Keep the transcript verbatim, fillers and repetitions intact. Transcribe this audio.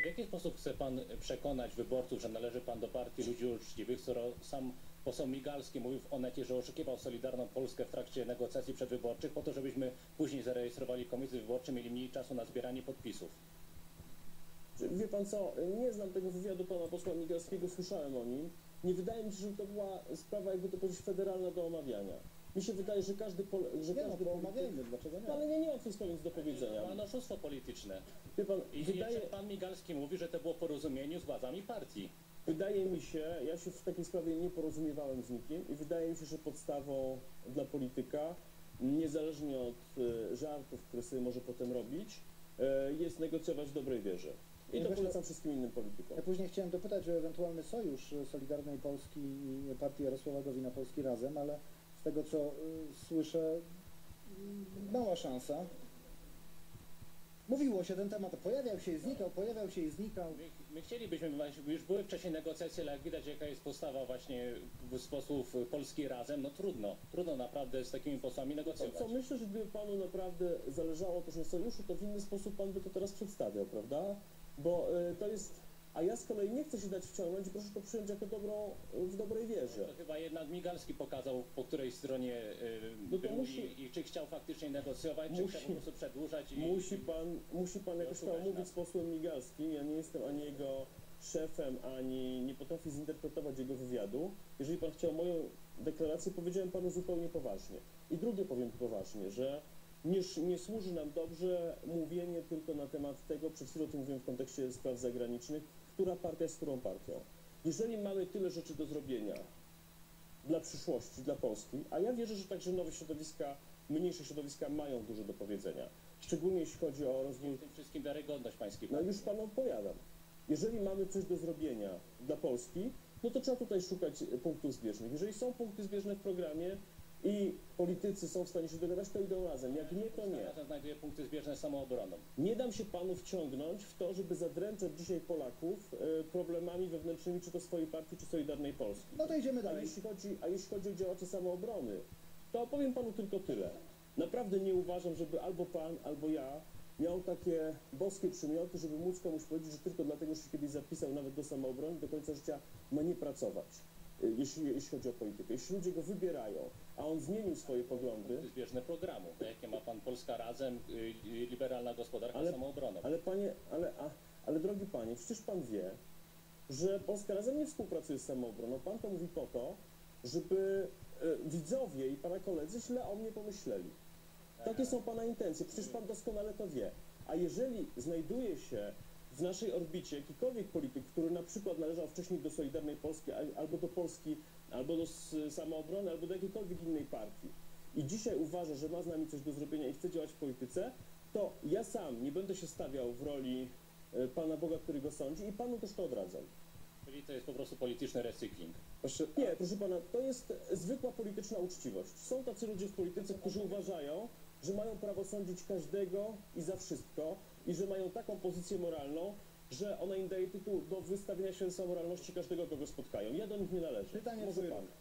W jaki sposób chce pan przekonać wyborców, że należy pan do partii ludzi uczciwych, skoro sam poseł Migalski mówił w Onecie, że oszukiwał Solidarną Polskę w trakcie negocjacji przedwyborczych po to, żebyśmy później zarejestrowali komisje wyborcze, mieli mniej czasu na zbieranie podpisów? Wie pan co, nie znam tego wywiadu pana posła Migalskiego, słyszałem o nim. Nie wydaje mi się, że to była sprawa, jakby to powiedzieć, federalna do omawiania. Mi się wydaje, że każdy... Pol że nie każdy no, omawiajmy, dlaczego nie? No, ale nie, nie mam w tej sprawie nic do powiedzenia. Pan oszustwo polityczne. Wie pan, I wydaje... jeszcze pan Migalski mówi, że to było porozumieniu z władzami partii. Wydaje mi się, ja się w takiej sprawie nie porozumiewałem z nikim i wydaje mi się, że podstawą dla polityka, niezależnie od e, żartów, które sobie może potem robić, e, jest negocjować w dobrej wierze. I Ja to właśnie- polecam wszystkim innym politykom. Ja później chciałem dopytać o ewentualny sojusz Solidarnej Polski i partii Jarosława Gowina Polski Razem, ale z tego co y, słyszę, y, mała szansa. Mówiło się ten temat, pojawiał się i znikał, pojawiał się i znikał. My, my chcielibyśmy, właśnie- już były wcześniej negocjacje, ale jak widać, jaka jest postawa właśnie z posłów Polski Razem, no trudno, trudno naprawdę z takimi posłami Co, negocjować. co myślę, że gdyby panu naprawdę zależało też na sojuszu, to w inny sposób pan by to teraz przedstawiał, prawda? Bo y, to jest... A ja z kolei nie chcę się dać wciągnąć i proszę to przyjąć jako dobrą, w dobrej wierze. To chyba jednak Migalski pokazał, po której stronie y, No to był musi- i, i czy chciał faktycznie negocjować, czy Musi- chciał po prostu przedłużać i... Musi pan, musi pan jakoś oszukać tam mówić nas. z posłem Migalskim. Ja nie jestem ani jego szefem, ani nie potrafię zinterpretować jego wywiadu. Jeżeli pan chciał moją deklarację, powiedziałem panu zupełnie poważnie. I drugie powiem poważnie, że nie, nie służy nam dobrze mówienie tylko na temat tego, przed chwilą to mówiłem w kontekście spraw zagranicznych, która partia jest którą partią. Jeżeli mamy tyle rzeczy do zrobienia dla przyszłości, dla Polski, a ja wierzę, że także nowe środowiska, mniejsze środowiska mają dużo do powiedzenia, szczególnie jeśli chodzi o rozwój. W tym wszystkim wiarygodność pańskiej No partii. już panu odpowiadam. Jeżeli mamy coś do zrobienia dla Polski, no to trzeba tutaj szukać punktów zbieżnych. Jeżeli są punkty zbieżne w programie i politycy są w stanie się dogadać, to idą razem. Jak nie, to nie. Razem znajduje punkty zbieżne z samoobroną. Nie dam się panu wciągnąć w to, żeby zadręczać dzisiaj Polaków e, problemami wewnętrznymi, czy to swojej partii, czy Solidarnej Polski. No to idziemy A dalej. jeśli chodzi, a jeśli chodzi o działaczy samoobrony, to opowiem panu tylko tyle. Naprawdę nie uważam, żeby albo pan, albo ja miał takie boskie przymioty, żeby móc komuś powiedzieć, że tylko dlatego, że się kiedyś zapisał nawet do samoobrony, do końca życia ma nie pracować, y, jeśli, jeśli chodzi o politykę. Jeśli ludzie go wybierają, a on zmienił swoje poglądy, Punkty zbieżne programu. Jakie ma pan Polska Razem, y, y, liberalna gospodarka Ale- z samoobroną. ale panie, ale, a, ale drogi panie, przecież pan wie, że Polska Razem nie współpracuje z samoobroną. Pan to mówi po to, żeby e, widzowie i pana koledzy źle o mnie pomyśleli. Takie są pana intencje, przecież pan doskonale to wie. A jeżeli znajduje się w naszej orbicie jakikolwiek polityk, który na przykład należał wcześniej do Solidarnej Polski, al- albo do Polski, albo do s- Samoobrony, albo do jakiejkolwiek innej partii i dzisiaj uważa, że ma z nami coś do zrobienia i chce działać w polityce, to ja sam nie będę się stawiał w roli e, Pana Boga, który go sądzi i panu też to odradzam. Czyli to jest po prostu polityczny recykling. Proszę, nie, proszę pana, to jest zwykła polityczna uczciwość. Są tacy ludzie w polityce, którzy uważają, że mają prawo sądzić każdego i za wszystko i że mają taką pozycję moralną, że ona im daje tytuł do wystawienia się za moralności każdego, kogo spotkają. Ja do nich nie należę. Pytanie Może czy pan.